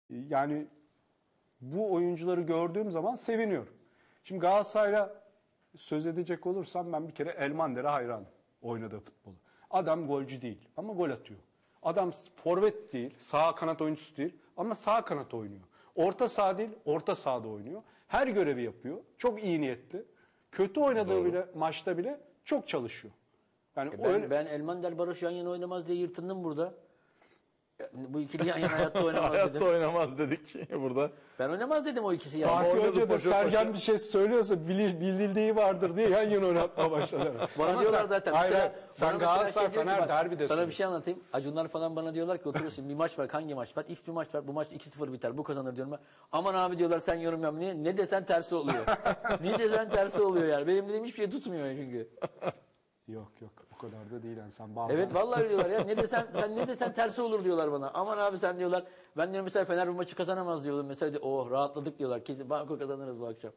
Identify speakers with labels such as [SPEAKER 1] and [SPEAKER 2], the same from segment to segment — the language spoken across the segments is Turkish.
[SPEAKER 1] Yani bu oyuncuları gördüğüm zaman seviniyorum. Şimdi Galatasaray'la söz edecek olursam ben bir kere Elmander'e hayranım oynadığı futbolu. Adam golcü değil ama gol atıyor. Adam forvet değil, sağ kanat oyuncusu değil ama sağ kanat oynuyor. Orta saha değil, orta sahada oynuyor. Her görevi yapıyor. Çok iyi niyetli. Kötü oynadığı bile maçta bile çok çalışıyor. Yani
[SPEAKER 2] Ben Elmander Barış yan yana oynamaz diye yırtındım burada. Bu ikili yan yana hayatta oynamaz dedim.
[SPEAKER 3] Hayatta oynamaz dedik burada.
[SPEAKER 2] Ben oynamaz dedim o ikisi yani.
[SPEAKER 1] Fatih
[SPEAKER 3] oynadı,
[SPEAKER 1] Hoca da
[SPEAKER 3] paşa
[SPEAKER 1] Sergen
[SPEAKER 3] paşa.
[SPEAKER 1] bir şey söylüyorsa bildiği vardır diye yan yana oynatmaya başladılar.
[SPEAKER 2] Bana
[SPEAKER 1] Ama
[SPEAKER 2] diyorlar zaten.
[SPEAKER 1] Hayır,
[SPEAKER 2] Mesela,
[SPEAKER 1] sen
[SPEAKER 2] bana mesela
[SPEAKER 1] Galatasaray
[SPEAKER 2] diyor ki,
[SPEAKER 1] Fener
[SPEAKER 2] bak,
[SPEAKER 1] derbide
[SPEAKER 2] sana bir şey anlatayım. Acunlar falan bana diyorlar ki oturuyorsun bir maç var. Hangi maç var? X bir maç var. Bu maç 2-0 biter. Bu kazanır diyorum ben. Aman abi diyorlar sen yorum yap. Niye? Ne desen tersi oluyor. Ne desen tersi oluyor yani. Benim dediğim hiçbir şey tutmuyor çünkü.
[SPEAKER 1] Yok o kadar da değil yani sen bazen.
[SPEAKER 2] Evet vallahi diyorlar ya. Ne desen tersi olur diyorlar bana. Aman abi sen diyorlar. Ben diyorum mesela Fener bu maçı kazanamaz diyordum. Mesela rahatladık diyorlar. Kesin banko kazanırız bu akşam.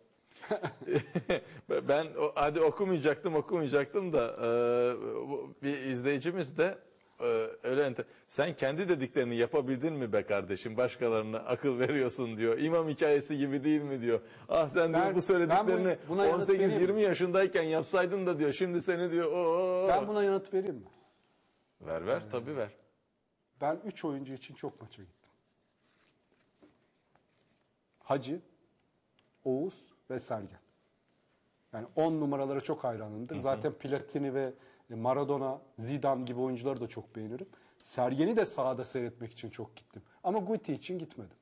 [SPEAKER 3] Ben hadi okumayacaktım da bir izleyicimiz de öyle sen kendi dediklerini yapabildin mi be kardeşim, başkalarına akıl veriyorsun diyor. İmam hikayesi gibi değil mi diyor. Ah sen diyor bu söylediklerini
[SPEAKER 1] buna
[SPEAKER 3] 18-20 yaşındayken yapsaydın da diyor. Şimdi seni diyor.
[SPEAKER 1] Ben buna yanıt vereyim mi?
[SPEAKER 3] Ver tabii ver.
[SPEAKER 1] Ben 3 oyuncu için çok maça gittim. Hacı, Oğuz ve Sergen. Yani 10 numaralara çok hayranımdır. Zaten Platini ve Maradona, Zidane gibi oyuncuları da çok beğenirim. Sergen'i de sahada seyretmek için çok gittim. Ama Guti için gitmedim.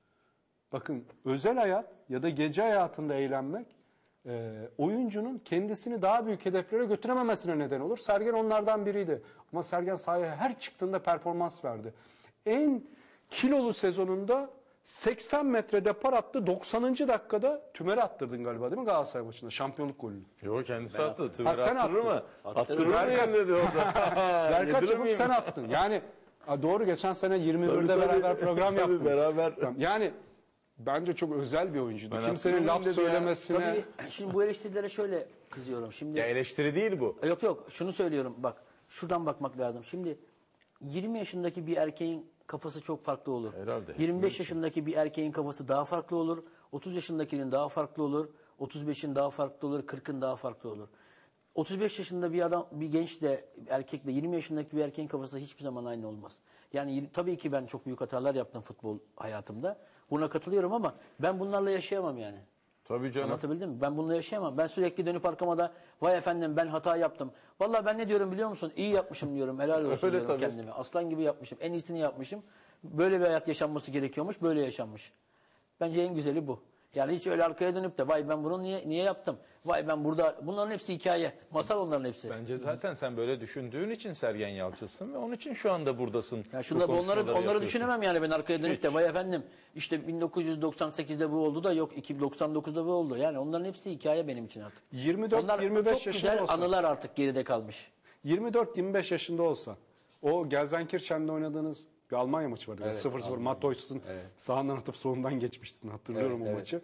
[SPEAKER 1] Bakın özel hayat ya da gece hayatında eğlenmek oyuncunun kendisini daha büyük hedeflere götürememesine neden olur. Sergen onlardan biriydi. Ama Sergen sahaya her çıktığında performans verdi. En kilolu sezonunda 80 metre depar attı. 90. dakikada Tümer'e attırdın galiba değil mi Galatasaray maçında? Şampiyonluk golünü.
[SPEAKER 3] Yok kendisi attı. Tümer
[SPEAKER 1] sen
[SPEAKER 3] attırır mı?
[SPEAKER 2] attın.
[SPEAKER 3] Attırır mı yani dedi orada.
[SPEAKER 1] Berkat
[SPEAKER 3] Yedirir
[SPEAKER 1] yapıp
[SPEAKER 3] miyim?
[SPEAKER 1] sen attın. Yani doğru geçen sene 21'de
[SPEAKER 3] Tabii,
[SPEAKER 1] beraber program
[SPEAKER 3] tabii,
[SPEAKER 1] yaptık.
[SPEAKER 3] beraber.
[SPEAKER 1] Yani bence çok özel bir oyuncuydu.
[SPEAKER 3] Ben
[SPEAKER 1] Kimsenin laf
[SPEAKER 3] hatırlamıyorum dedi ya.
[SPEAKER 1] söylemesine...
[SPEAKER 2] Tabii şimdi bu eleştirilere şöyle kızıyorum. Şimdi
[SPEAKER 3] Ya eleştiri değil bu.
[SPEAKER 2] Yok şunu söylüyorum bak şuradan bakmak lazım. Şimdi 20 yaşındaki bir erkeğin kafası çok farklı olur.
[SPEAKER 3] Herhalde.
[SPEAKER 2] 25 yaşındaki bir erkeğin kafası daha farklı olur. 30 yaşındakinin daha farklı olur. 35'in daha farklı olur. 40'ın daha farklı olur. 35 yaşında bir gençle erkekle 20 yaşındaki bir erkeğin kafası hiçbir zaman aynı olmaz. Yani tabii ki ben çok büyük hatalar yaptım futbol hayatımda. Buna katılıyorum ama ben bunlarla yaşayamam yani.
[SPEAKER 3] Tabii canım.
[SPEAKER 2] Anlatabildim mi? Ben bununla yaşayamam. Ben sürekli dönüp arkama da vay efendim ben hata yaptım. Vallahi ben ne diyorum biliyor musun? İyi yapmışım diyorum. Helal olsun
[SPEAKER 3] Öyle
[SPEAKER 2] diyorum
[SPEAKER 3] tabii.
[SPEAKER 2] kendime. Aslan gibi yapmışım. En iyisini yapmışım. Böyle bir hayat yaşanması gerekiyormuş. Böyle yaşanmış. Bence en güzeli bu. Yani hiç öyle arkaya dönüp de vay ben bunu niye yaptım? Vay ben burada bunların hepsi hikaye. Masal onların hepsi.
[SPEAKER 3] Bence zaten sen böyle düşündüğün için Sergen Yalçın'sın ve onun için şu anda buradasın.
[SPEAKER 2] Ya
[SPEAKER 3] Bu
[SPEAKER 2] şunda
[SPEAKER 3] konuşmaları
[SPEAKER 2] onları
[SPEAKER 3] yapıyorsun.
[SPEAKER 2] düşünemem yani ben arkaya dönüp de
[SPEAKER 3] Hiç.
[SPEAKER 2] vay efendim işte 1998'de bu oldu da yok 2099'da bu oldu. Yani onların hepsi hikaye benim için artık.
[SPEAKER 1] 24-25
[SPEAKER 2] Onlar çok
[SPEAKER 1] yaşında
[SPEAKER 2] güzel
[SPEAKER 1] olsa.
[SPEAKER 2] anılar artık geride kalmış.
[SPEAKER 1] 24-25 yaşında olsa o Gelsenkirchen'de oynadığınız bir Almanya maçı vardı.
[SPEAKER 2] Evet,
[SPEAKER 1] 0-0 Matoich'un sağından atıp solundan geçmiştin. Hatırlıyorum
[SPEAKER 2] Evet,
[SPEAKER 1] o maçı.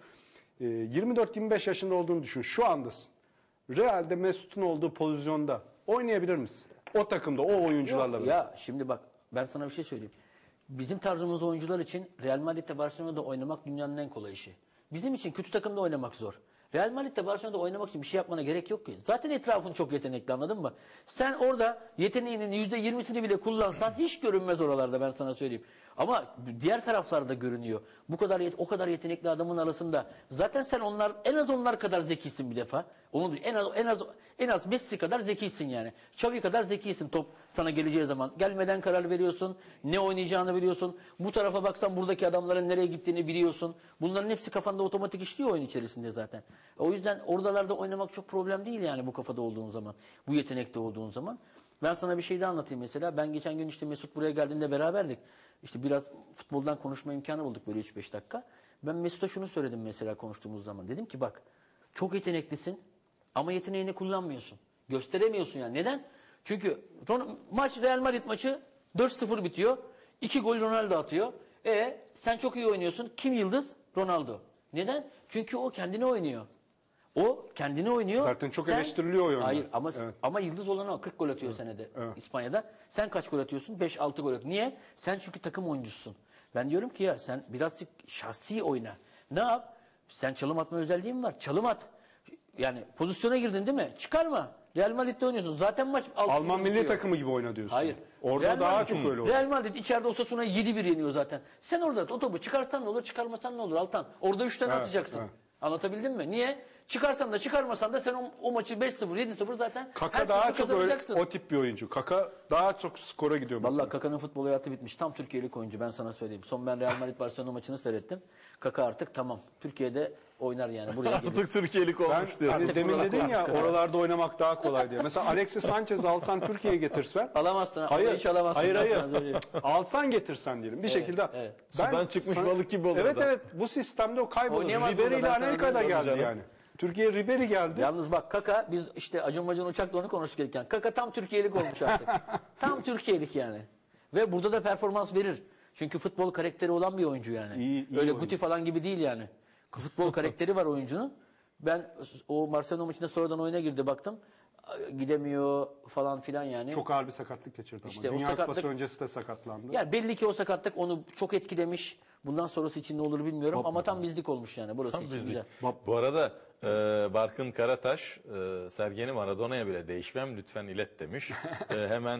[SPEAKER 1] 24-25 yaşında olduğunu düşün. Şu andasın. Real'de Mesut'un olduğu pozisyonda oynayabilir misin? O takımda, o oyuncularla.
[SPEAKER 2] Yok, ya şimdi bak ben sana bir şey söyleyeyim. Bizim tarzımız oyuncular için Real Madrid'de Barcelona'da oynamak dünyanın en kolay işi. Bizim için kötü takımda oynamak zor. Real Madrid'de Barcelona'da oynamak için bir şey yapmana gerek yok ki. Zaten etrafın çok yetenekli anladın mı? Sen orada yeteneğinin %20'sini bile kullansan hiç görünmez oralarda ben sana söyleyeyim. Ama diğer taraflarda görünüyor. O kadar yetenekli adamın arasında zaten sen en az onlar kadar zekisin bir defa. Onu en az Messi kadar zekisin yani. Xavi kadar zekisin top sana geleceği zaman. Gelmeden karar veriyorsun. Ne oynayacağını biliyorsun. Bu tarafa baksan buradaki adamların nereye gittiğini biliyorsun. Bunların hepsi kafanda otomatik işliyor oyun içerisinde zaten. O yüzden oralarda oynamak çok problem değil yani bu kafada olduğun zaman. Bu yetenekte olduğun zaman. Ben sana bir şey de anlatayım mesela. Ben geçen gün işte Mesut buraya geldiğinde beraberdik. İşte biraz futboldan konuşma imkanı bulduk böyle 3-5 dakika. Ben Mesut'a şunu söyledim mesela konuştuğumuz zaman. Dedim ki bak çok yeteneklisin ama yeteneğini kullanmıyorsun. Gösteremiyorsun yani. Neden? Çünkü Real Madrid maçı 4-0 bitiyor. 2 gol Ronaldo atıyor. Sen çok iyi oynuyorsun. Kim yıldız? Ronaldo. Neden? Çünkü o kendini oynuyor. O kendini oynuyor.
[SPEAKER 1] Zaten çok eleştiriliyor o yönde.
[SPEAKER 2] Hayır
[SPEAKER 1] Evet.
[SPEAKER 2] ama yıldız olan o 40 gol atıyor senede
[SPEAKER 1] Evet.
[SPEAKER 2] İspanya'da. Sen kaç gol atıyorsun? 5-6 gol atıyorsun. Niye? Sen çünkü takım oyuncusun. Ben diyorum ki ya sen biraz şahsi oyna. Ne yap? Sen çalım atma özelliğin mi var? Çalım at. Yani pozisyona girdin değil mi? Çıkarma. Real Madrid'de oynuyorsun. Zaten maç 6-0
[SPEAKER 1] Alman milli
[SPEAKER 2] bitiyor.
[SPEAKER 1] takımı gibi oyna diyorsun.
[SPEAKER 2] Hayır.
[SPEAKER 1] Orada
[SPEAKER 2] Real
[SPEAKER 1] daha
[SPEAKER 2] Madrid-
[SPEAKER 1] çok öyle olur.
[SPEAKER 2] Real Madrid içeride Osasuna'yı 7-1 yeniyor zaten. Sen orada o topu çıkarsan ne olur, çıkarmasan ne olur Altan? Orada 3 tane
[SPEAKER 1] Evet,
[SPEAKER 2] atacaksın.
[SPEAKER 1] evet.
[SPEAKER 2] Anlatabildim mi? Niye? Çıkarsan da çıkarmasan da sen o maçı 5-0, 7-0 zaten
[SPEAKER 1] Kaka
[SPEAKER 2] her
[SPEAKER 1] daha
[SPEAKER 2] türlü
[SPEAKER 1] çok öyle
[SPEAKER 2] kazanacaksın.
[SPEAKER 1] o tip bir oyuncu. Kaka daha çok skora gidiyor mesela.
[SPEAKER 2] Vallahi Kaka'nın futbol hayatı bitmiş. Tam Türkiye'lik oyuncu ben sana söyleyeyim. Son ben Real Madrid Barcelona maçını seyrettim. Kaka artık tamam. Türkiye'de oynar yani. Buraya gelir.
[SPEAKER 3] Artık Türkiye'lik
[SPEAKER 1] Ben
[SPEAKER 3] olmuş diyorsun.
[SPEAKER 1] hani demin
[SPEAKER 2] Buralar
[SPEAKER 1] dedin ya
[SPEAKER 2] koymuş
[SPEAKER 1] oralarda oynamak daha kolay diye. Mesela Alexis Sanchez alsan Türkiye'ye getirsen.
[SPEAKER 2] Alamazsın.
[SPEAKER 1] Hayır.
[SPEAKER 2] Hiç alamazsın.
[SPEAKER 1] Hayır
[SPEAKER 2] Ben
[SPEAKER 1] hayır.
[SPEAKER 2] sana söyleyeyim.
[SPEAKER 1] Alsan getirsen diyelim bir şekilde.
[SPEAKER 2] evet.
[SPEAKER 3] Sudan çıkmış balık gibi olur
[SPEAKER 1] Evet
[SPEAKER 3] adam.
[SPEAKER 1] evet bu sistemde o kaybolur.
[SPEAKER 2] Oynayamaz
[SPEAKER 1] Ribery
[SPEAKER 2] burada,
[SPEAKER 1] ile
[SPEAKER 2] ben sana
[SPEAKER 1] Anelka da
[SPEAKER 2] söyleyeyim
[SPEAKER 1] geldi
[SPEAKER 3] canım.
[SPEAKER 1] yani. Türkiye Ribery geldi.
[SPEAKER 2] Yalnız bak Kaka biz işte Acun uçakla onu konuştuk gelirken. Kaka tam Türkiye'lik olmuş artık. Tam Türkiye'lik yani. Ve burada da performans verir. Çünkü futbol karakteri olan bir oyuncu yani.
[SPEAKER 1] İyi
[SPEAKER 2] Öyle
[SPEAKER 1] oyuncu.
[SPEAKER 2] Guti falan gibi değil yani. Futbol karakteri var oyuncunun. Ben o Barcelona maçında sonradan oyuna girdi baktım. Gidemiyor falan filan yani.
[SPEAKER 1] Çok ağır bir sakatlık geçirdi ama.
[SPEAKER 2] İşte o
[SPEAKER 1] Dünya Kupası
[SPEAKER 2] sakatlık-
[SPEAKER 1] öncesi de sakatlandı.
[SPEAKER 2] Yani belli ki o sakatlık onu çok etkilemiş. Bundan sonrası için ne olur bilmiyorum ama tam bizlik olmuş yani burası
[SPEAKER 3] Tam
[SPEAKER 2] için
[SPEAKER 3] bizlik.
[SPEAKER 2] güzel.
[SPEAKER 3] Bu arada Barkın Karataş Sergen'i Maradona'ya bile değişmem lütfen ilet demiş. Hemen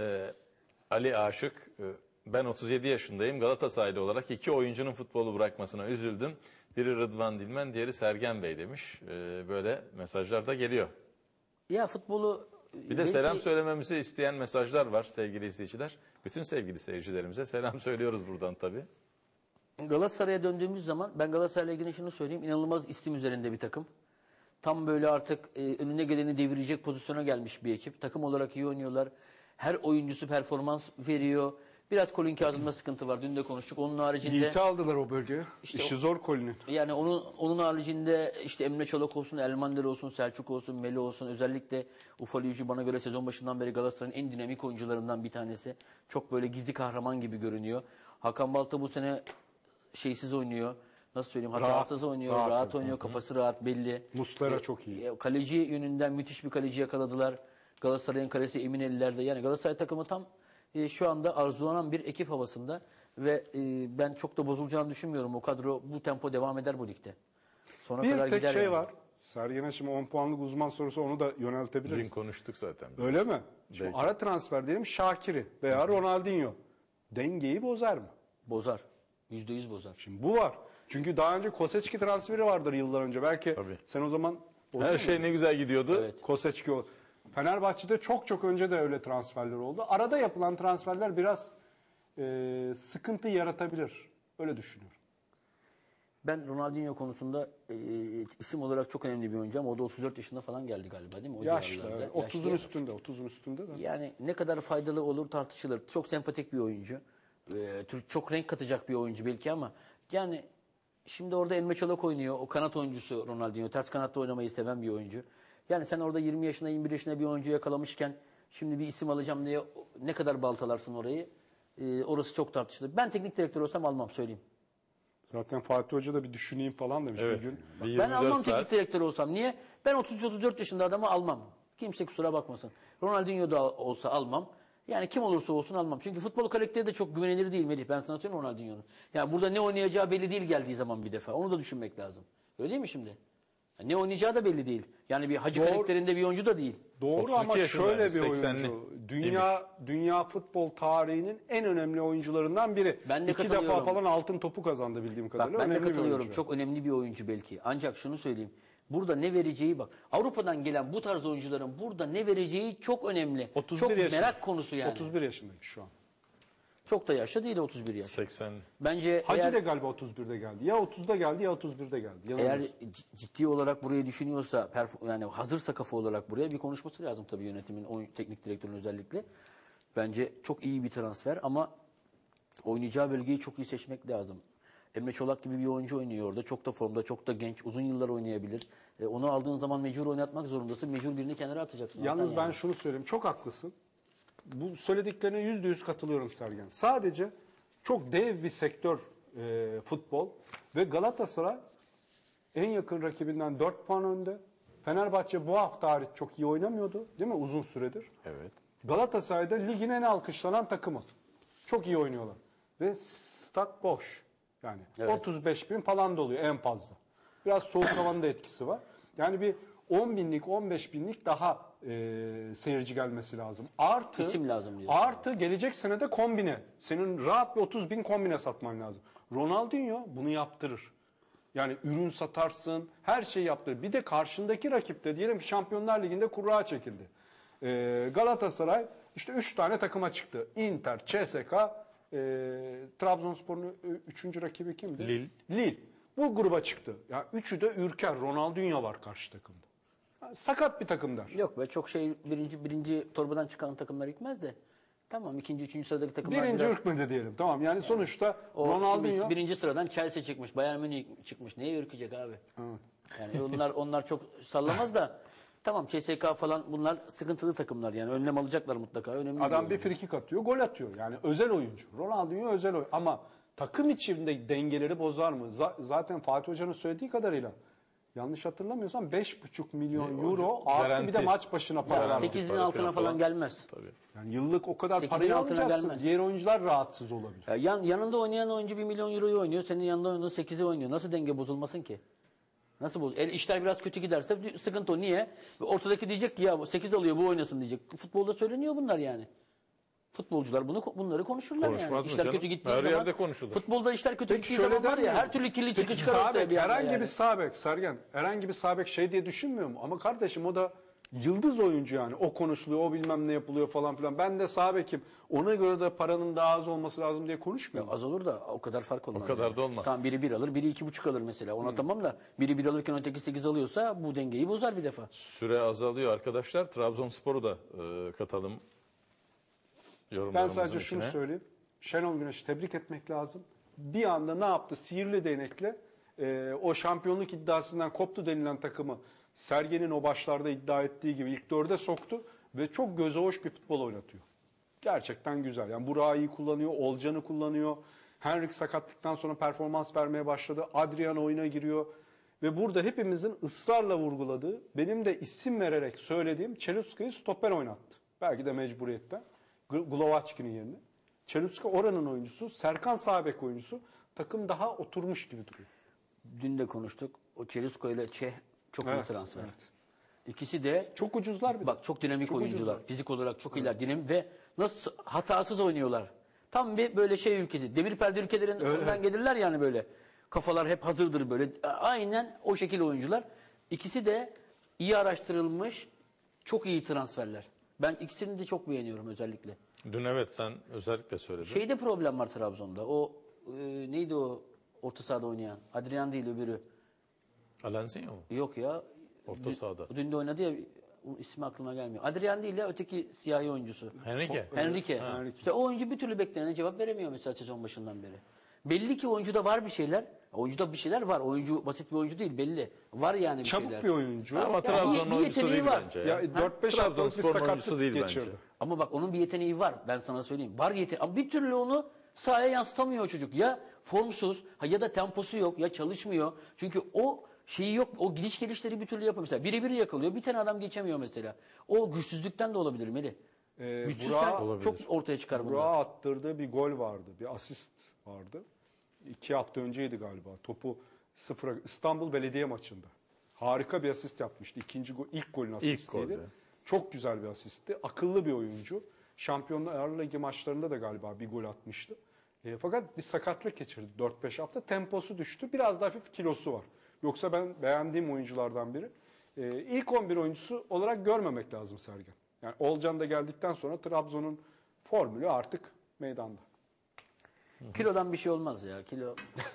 [SPEAKER 3] Ali Aşık ben 37 yaşındayım Galatasaraylı olarak iki oyuncunun futbolu bırakmasına üzüldüm. Biri Rıdvan Dilmen diğeri Sergen Bey demiş. Böyle mesajlar da geliyor.
[SPEAKER 2] Ya futbolu
[SPEAKER 3] Bir de selam söylememizi isteyen mesajlar var sevgili izleyiciler. Bütün sevgili seyircilerimize selam söylüyoruz buradan tabii.
[SPEAKER 2] Galatasaray'a döndüğümüz zaman ben Galatasaray'la ilgili şunu söyleyeyim. İnanılmaz isim üzerinde bir takım. Tam böyle artık önüne geleni devirecek pozisyona gelmiş bir ekip. Takım olarak iyi oynuyorlar. Her oyuncusu performans veriyor. Biraz Colin Kazım'da sıkıntı var. Dün de konuştuk. Onun haricinde
[SPEAKER 1] Yiğit'i aldılar o bölgeye.
[SPEAKER 2] İşte
[SPEAKER 1] İşi zor Colin'in.
[SPEAKER 2] yani onun haricinde işte Emre Çolak olsun, Elmander olsun, Selçuk olsun, Melo olsun. Özellikle Ufalıyucu bana göre sezon başından beri Galatasaray'ın en dinamik oyuncularından bir tanesi. Çok böyle gizli kahraman gibi görünüyor. Hakan Balta bu sene şeysiz oynuyor. Nasıl söyleyeyim? Hatasız oynuyor, rahat oynuyor, kafası rahat belli.
[SPEAKER 1] Muslera çok iyi.
[SPEAKER 2] Kaleci yönünden müthiş bir kaleci yakaladılar. Galatasaray'ın kalesi emin ellerde. Yani Galatasaray takımı tam şu anda arzulanan bir ekip havasında ve ben çok da bozulacağını düşünmüyorum. O kadro bu tempo devam eder bu ligde. Sona
[SPEAKER 1] Bir
[SPEAKER 2] kadar
[SPEAKER 1] tek
[SPEAKER 2] gider
[SPEAKER 1] şey
[SPEAKER 2] yani.
[SPEAKER 1] var. Sergen'e şimdi 10 puanlık uzman sorusu onu da
[SPEAKER 3] Dün
[SPEAKER 1] yöneltebiliriz.
[SPEAKER 3] konuştuk zaten.
[SPEAKER 1] Öyle mi? Şimdi
[SPEAKER 3] Belki.
[SPEAKER 1] ara transfer diyelim Şakir'i veya Ronaldinho. Dengeyi bozar mı?
[SPEAKER 2] Bozar. %100 bozar.
[SPEAKER 1] Şimdi bu var. Çünkü daha önce Koseçki transferi vardır yıllar önce. Belki
[SPEAKER 3] Tabii.
[SPEAKER 1] sen o zaman
[SPEAKER 3] Her şey ne güzel gidiyordu.
[SPEAKER 2] Evet.
[SPEAKER 1] Koseçki o. Fenerbahçe'de çok önce de öyle transferler oldu. Arada yapılan transferler biraz sıkıntı yaratabilir. Öyle düşünüyorum.
[SPEAKER 2] Ben Ronaldinho konusunda isim olarak çok önemli bir oyuncu ama o da 34 yaşında falan geldi galiba değil mi? O
[SPEAKER 1] Yaşlı.
[SPEAKER 2] civarlarda.
[SPEAKER 1] Evet.
[SPEAKER 2] Yaşlı
[SPEAKER 1] 30'un
[SPEAKER 2] ya.
[SPEAKER 1] üstünde. 30'un üstünde de.
[SPEAKER 2] Yani ne kadar faydalı olur tartışılır. Çok sempatik bir oyuncu. Çok renk katacak bir oyuncu belki ama yani şimdi orada Emre Çolak oynuyor. O kanat oyuncusu Ronaldinho. Ters kanatta oynamayı seven bir oyuncu. Yani sen orada 20 yaşında 21 yaşında bir oyuncu yakalamışken şimdi bir isim alacağım diye ne kadar baltalarsın orayı? Orası çok tartışılır. Ben teknik direktör olsam almam söyleyeyim.
[SPEAKER 1] Zaten Fatih Hoca da bir düşüneyim falan demiş
[SPEAKER 3] Evet.
[SPEAKER 1] bir gün.
[SPEAKER 3] Bir
[SPEAKER 2] Ben
[SPEAKER 3] 24
[SPEAKER 2] almam
[SPEAKER 3] saat.
[SPEAKER 2] teknik direktör olsam. Niye? Ben 33-34 yaşında adamı almam. Kimse kusura bakmasın. Ronaldinho da olsa almam. Yani kim olursa olsun almam. Çünkü futbol karakteri de çok güvenilir değil Melih. Ben sana söyleyeyim Ronaldinho'nun. Yani burada ne oynayacağı belli değil geldiği zaman bir defa. Onu da düşünmek lazım. Öyle değil mi şimdi? Yani ne oynayacağı da belli değil. Yani bir hacı
[SPEAKER 1] Doğru.
[SPEAKER 2] karakterinde bir oyuncu da değil.
[SPEAKER 1] Doğru
[SPEAKER 3] 32
[SPEAKER 1] ama şöyle bir
[SPEAKER 3] yaşındaymış,
[SPEAKER 1] oyuncu.
[SPEAKER 3] 80'li
[SPEAKER 1] Dünya futbol tarihinin en önemli oyuncularından biri.
[SPEAKER 2] Ben de
[SPEAKER 1] 2 defa
[SPEAKER 2] katılıyorum.
[SPEAKER 1] falan altın topu kazandı bildiğim
[SPEAKER 2] Bak
[SPEAKER 1] kadarıyla.
[SPEAKER 2] ben de
[SPEAKER 1] Önemli bir
[SPEAKER 2] katılıyorum.
[SPEAKER 1] oyuncu.
[SPEAKER 2] Çok önemli bir oyuncu belki. Ancak şunu söyleyeyim. Burada ne vereceği bak. Avrupa'dan gelen bu tarz oyuncuların burada ne vereceği çok önemli.
[SPEAKER 1] 31
[SPEAKER 2] çok
[SPEAKER 1] yaşında.
[SPEAKER 2] merak konusu yani.
[SPEAKER 1] 31 yaşındayım şu an.
[SPEAKER 2] Çok da yaşlı değil 31 yaş.
[SPEAKER 3] 80.
[SPEAKER 2] Bence
[SPEAKER 1] Hacı
[SPEAKER 2] eğer,
[SPEAKER 1] da galiba 31'de geldi. Ya 30'da geldi ya 31'de geldi.
[SPEAKER 2] eğer
[SPEAKER 1] Yanılmıyorsun.
[SPEAKER 2] ciddi olarak burayı düşünüyorsa yani hazırsa kafa olarak buraya bir konuşması lazım tabii yönetimin, teknik direktörün özellikle. Bence çok iyi bir transfer ama oynayacağı bölgeyi çok iyi seçmek lazım. Emre Çolak gibi bir oyuncu oynuyor orada. Çok da formda, çok da genç. Uzun yıllar oynayabilir. Onu aldığın zaman mecbur oynatmak zorundasın. Mecbur birini kenara atacaksın.
[SPEAKER 1] Yalnız
[SPEAKER 2] Zaten
[SPEAKER 1] ben şunu söyleyeyim. Çok haklısın. Bu söylediklerine %100 katılıyorum Sergen. Sadece çok dev bir sektör futbol ve Galatasaray en yakın rakibinden 4 puan önde. Fenerbahçe bu hafta hariç çok iyi oynamıyordu değil mi uzun süredir?
[SPEAKER 3] Evet.
[SPEAKER 1] Galatasaray'da ligin en alkışlanan takımı. Çok iyi oynuyorlar. Ve stat boş. Yani
[SPEAKER 2] Evet.
[SPEAKER 1] 35 bin falan doluyor en fazla. Biraz soğuk havanın da etkisi var. Yani bir 10 binlik, 15 binlik daha seyirci gelmesi lazım. Artı,
[SPEAKER 2] İsim lazım diyorsun.
[SPEAKER 1] artı gelecek sene de kombine. Senin rahat bir 30 bin kombine satman lazım. Ronaldinho bunu yaptırır. Yani ürün satarsın, her şeyi yaptırır. Bir de karşındaki rakip de diyelim ki Şampiyonlar Ligi'nde kura çekildi. Galatasaray işte 3 tane takıma çıktı. Inter, CSKA, Trabzonspor'un 3. rakibi kimdi? Lille. Bu gruba çıktı. Ya üçü de ürker. Ronaldinho var karşı takımda. Yani sakat bir takım der.
[SPEAKER 2] Yok be, çok şey birinci torbadan çıkan takımlar gitmez de. Tamam, ikinci, üçüncü sıradaki takımlar
[SPEAKER 1] Birinci
[SPEAKER 2] biraz...
[SPEAKER 1] ırkmedi diyelim. Tamam yani sonuçta
[SPEAKER 2] O
[SPEAKER 1] Ronaldinho...
[SPEAKER 2] şimdi birinci sıradan Chelsea çıkmış, Bayern Münih çıkmış. Neye ürkecek abi?
[SPEAKER 1] Evet.
[SPEAKER 2] Yani onlar çok sallamaz da. Tamam, CSKA falan bunlar sıkıntılı takımlar yani. Önlem alacaklar mutlaka. Önemli
[SPEAKER 1] Adam
[SPEAKER 2] değil.
[SPEAKER 1] bir frikik atıyor, gol atıyor. Yani özel oyuncu. Ronaldinho özel oyuncu. Ama takım içinde dengeleri bozar mı? Zaten Fatih Hoca'nın söylediği kadarıyla yanlış hatırlamıyorsam 5,5 milyon euro artı
[SPEAKER 3] garanti.
[SPEAKER 1] bir de maç başına para
[SPEAKER 2] Yani
[SPEAKER 1] vermek.
[SPEAKER 2] 8'in altına falan gelmez.
[SPEAKER 3] Tabii.
[SPEAKER 1] Yani yıllık o kadar
[SPEAKER 2] 8'in
[SPEAKER 1] parayı
[SPEAKER 2] altına
[SPEAKER 1] alacaksın.
[SPEAKER 2] gelmez.
[SPEAKER 1] Diğer oyuncular rahatsız olabilir.
[SPEAKER 2] Ya yanında oynayan oyuncu 1 milyon euroyu oynuyor. Senin yanında oynayan 8'i oynuyor. Nasıl denge bozulmasın ki? Nasıl bozul? İşler biraz kötü giderse sıkıntı o. Niye? Ortadaki diyecek ki ya 8 alıyor, bu oynasın diyecek. Futbolda söyleniyor bunlar yani. Futbolcular bunları konuşurlar
[SPEAKER 3] Konuşmaz
[SPEAKER 2] yani.
[SPEAKER 3] mı
[SPEAKER 2] İşler
[SPEAKER 3] canım?
[SPEAKER 2] kötü gittiği
[SPEAKER 3] Her
[SPEAKER 2] zaman.
[SPEAKER 3] yerde konuşulur.
[SPEAKER 2] Futbolda işler kötü
[SPEAKER 1] Peki
[SPEAKER 2] gittiği
[SPEAKER 1] şöyle
[SPEAKER 2] zaman var ya,
[SPEAKER 1] demiyor
[SPEAKER 2] her türlü kirli çıkı
[SPEAKER 1] Peki
[SPEAKER 2] çıkar ortaya
[SPEAKER 1] Sabek,
[SPEAKER 2] bir anda
[SPEAKER 1] herhangi
[SPEAKER 2] yani.
[SPEAKER 1] bir Sabek Sergen, herhangi bir Sabek şey diye düşünmüyor mu? Ama kardeşim o da yıldız oyuncu yani. O konuşuluyor, o bilmem ne yapılıyor falan filan. Ben de Sabek'im. Ona göre de paranın daha az olması lazım diye konuşmuyor mu?
[SPEAKER 2] Az olur da o kadar fark olmaz.
[SPEAKER 3] O kadar da olmaz.
[SPEAKER 2] Tamam, biri 1 alır, biri 2,5 alır mesela. Ona tamam da biri 1 alırken öteki 8 alıyorsa bu dengeyi bozar bir defa.
[SPEAKER 3] Süre azalıyor arkadaşlar. Trabzonspor'u da katalım
[SPEAKER 1] Ben
[SPEAKER 3] yorumlarımızın
[SPEAKER 1] sadece şunu
[SPEAKER 3] içine.
[SPEAKER 1] söyleyeyim. Şenol Güneş'i tebrik etmek lazım. Bir anda ne yaptı? Sihirli değnekle o şampiyonluk iddiasından koptu denilen takımı Sergen'in o başlarda iddia ettiği gibi ilk 4'e soktu ve çok göze hoş bir futbol oynatıyor. Gerçekten güzel. Yani Burak'ı iyi kullanıyor, Olcan'ı kullanıyor. Henrik sakatlıktan sonra performans vermeye başladı. Adrian oyuna giriyor. Ve burada hepimizin ısrarla vurguladığı, benim de isim vererek söylediğim Çeluska'yı stoper oynattı. Belki de mecburiyetten. Glovaçki'nin yerine. Çeluska oranın oyuncusu, Serkan sağ bek oyuncusu. Takım daha oturmuş gibi duruyor.
[SPEAKER 2] Dün de konuştuk. O Çelisko ile Çeh çok iyi
[SPEAKER 1] Evet,
[SPEAKER 2] transfer.
[SPEAKER 1] evet.
[SPEAKER 2] İkisi de
[SPEAKER 1] Çok ucuzlar bir de.
[SPEAKER 2] bak çok dinamik
[SPEAKER 1] Çok
[SPEAKER 2] oyuncular.
[SPEAKER 1] ucuzlar.
[SPEAKER 2] Fizik olarak çok iyiler. Dinamik ve nasıl hatasız oynuyorlar. Tam bir böyle şey ülkesi. Demir perde ülkelerinden gelirler yani böyle. Kafalar hep hazırdır böyle. Aynen o şekil oyuncular. İkisi de iyi araştırılmış, çok iyi transferler. Ben ikisini de çok beğeniyorum özellikle.
[SPEAKER 3] Dün evet sen özellikle söyledin.
[SPEAKER 2] Şeyde problem var Trabzon'da. O neydi o orta sahada oynayan? Adrian değil öbürü.
[SPEAKER 3] Alenzinho mu?
[SPEAKER 2] Yok ya.
[SPEAKER 3] Orta sahada.
[SPEAKER 2] Dün de oynadı ya, o ismi aklıma gelmiyor. Adrian değil ya, öteki siyahi oyuncusu.
[SPEAKER 3] Henrique.
[SPEAKER 2] Henrique. İşte o oyuncu bir türlü beklenen cevap veremiyor mesela sezon başından beri. Belli ki oyuncuda var bir şeyler. Oyuncuda bir şeyler var. Oyuncu basit bir oyuncu değil belli. Var yani bir
[SPEAKER 1] Çabuk
[SPEAKER 2] şeyler.
[SPEAKER 1] bir oyuncu.
[SPEAKER 3] Ama Trabzon'un
[SPEAKER 2] bir
[SPEAKER 3] oyuncusu
[SPEAKER 2] yeteneği
[SPEAKER 3] değil
[SPEAKER 2] var.
[SPEAKER 3] bence.
[SPEAKER 1] Ya 4-5 haftalık bir
[SPEAKER 3] Trabzonspor'un oyuncusu
[SPEAKER 1] sakatlık
[SPEAKER 3] değil
[SPEAKER 1] geçirdi.
[SPEAKER 3] bence.
[SPEAKER 2] Ama bak onun bir yeteneği var. Ben sana söyleyeyim. Var yeteneği. Ama bir türlü onu sahaya yansıtamıyor o çocuk. Ya formsuz ya da temposu yok ya çalışmıyor. Çünkü o şeyi yok. O gidiş gelişleri bir türlü yapamıyor. Mesela biri yakalıyor. Bir tane adam geçemiyor mesela. O güçsüzlükten de olabilir Melih. Güçsüzsen
[SPEAKER 1] Burak'a-
[SPEAKER 2] çok ortaya çıkar bunlar.
[SPEAKER 1] Burak'a attırdığı bir gol vardı. Bir asist vardı. 2 hafta önceydi galiba. Topu sıfıra İstanbul Belediye maçında. Harika bir asist yapmıştı. İlk golün asistiydi.
[SPEAKER 3] golde.
[SPEAKER 1] Çok güzel bir asistti. Akıllı bir oyuncu. Şampiyonlar Ligi maçlarında da galiba bir gol atmıştı. Fakat bir sakatlık geçirdi 4-5 hafta. Temposu düştü. Biraz da hafif kilosu var. Yoksa ben beğendiğim oyunculardan biri. İlk 11 oyuncusu olarak görmemek lazım Sergen. Yani Olcan da geldikten sonra Trabzon'un formülü artık meydanda.
[SPEAKER 2] Kilodan bir şey olmaz ya. Kilo.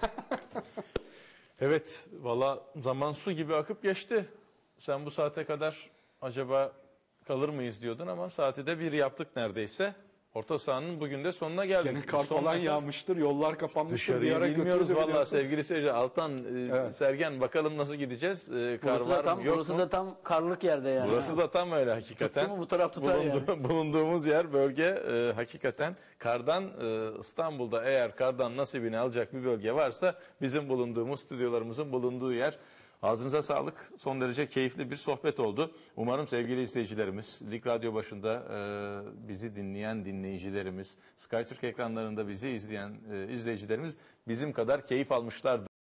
[SPEAKER 3] Evet valla zaman su gibi akıp geçti. Sen bu saate kadar acaba kalır mıyız diyordun ama saati de bir yaptık neredeyse. Orta sahanın bugün de sonuna geldik.
[SPEAKER 1] Gene kar
[SPEAKER 3] Son
[SPEAKER 1] falan
[SPEAKER 3] mesaj.
[SPEAKER 1] yağmıştır, yollar kapanmıştır.
[SPEAKER 3] Dışarıyı
[SPEAKER 1] Bir ara
[SPEAKER 3] bilmiyoruz
[SPEAKER 1] götürdü
[SPEAKER 3] valla
[SPEAKER 1] biliyorsun.
[SPEAKER 3] sevgili seyirciler. Altan,
[SPEAKER 1] Evet.
[SPEAKER 3] Sergen bakalım nasıl gideceğiz? Kar
[SPEAKER 2] Burası da
[SPEAKER 3] var
[SPEAKER 2] tam,
[SPEAKER 3] mı yok
[SPEAKER 2] burası
[SPEAKER 3] mu?
[SPEAKER 2] da tam karlık yerde yani.
[SPEAKER 3] Burası da tam öyle hakikaten.
[SPEAKER 2] Tuttu mu bu taraf tutar
[SPEAKER 3] Bulunduğumuz yer, bölge hakikaten kardan İstanbul'da eğer kardan nasibini alacak bir bölge varsa bizim bulunduğumuz stüdyolarımızın bulunduğu yer. Ağzınıza sağlık. Son derece keyifli bir sohbet oldu. Umarım sevgili izleyicilerimiz, Lig Radyo başında bizi dinleyen dinleyicilerimiz, SkyTürk ekranlarında bizi izleyen izleyicilerimiz bizim kadar keyif almışlardır.